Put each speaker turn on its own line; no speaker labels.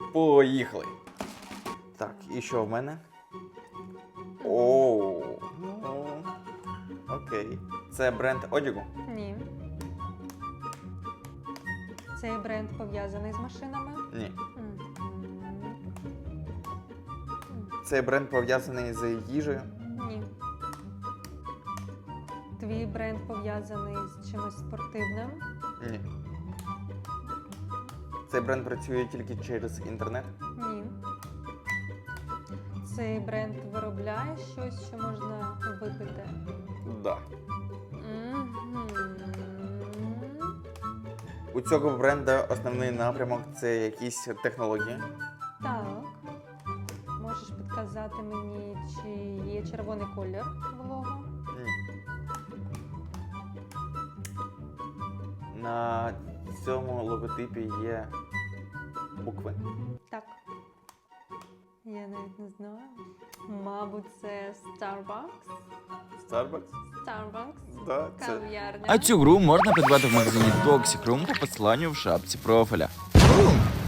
Поїхали. Так, і що в мене? Оу. Ну, окей. Це бренд одягу?
Ні. Цей бренд пов'язаний з машинами?
Ні.
Мгм.
Цей бренд пов'язаний з їжею?
Ні. Твій бренд пов'язаний з чимось спортивним?
Ні. Цей бренд працює тільки через інтернет?
Ні. Цей бренд виробляє щось, що можна випити?
Да.
Мгм.
У цього бренда основний напрямок це якісь технології?
Так. Можеш підказати мені, чи є червоний колір в лого?
Ні. На цьому логотипі є букви?
Так. Я навіть не знаю. Мабуть, це Starbucks.
Starbucks?
Starbucks.
Да, це...
Кав'ярня.
А цю гру можна придбати в магазині Toxic Room по посиланню в шапці профіля. Бум!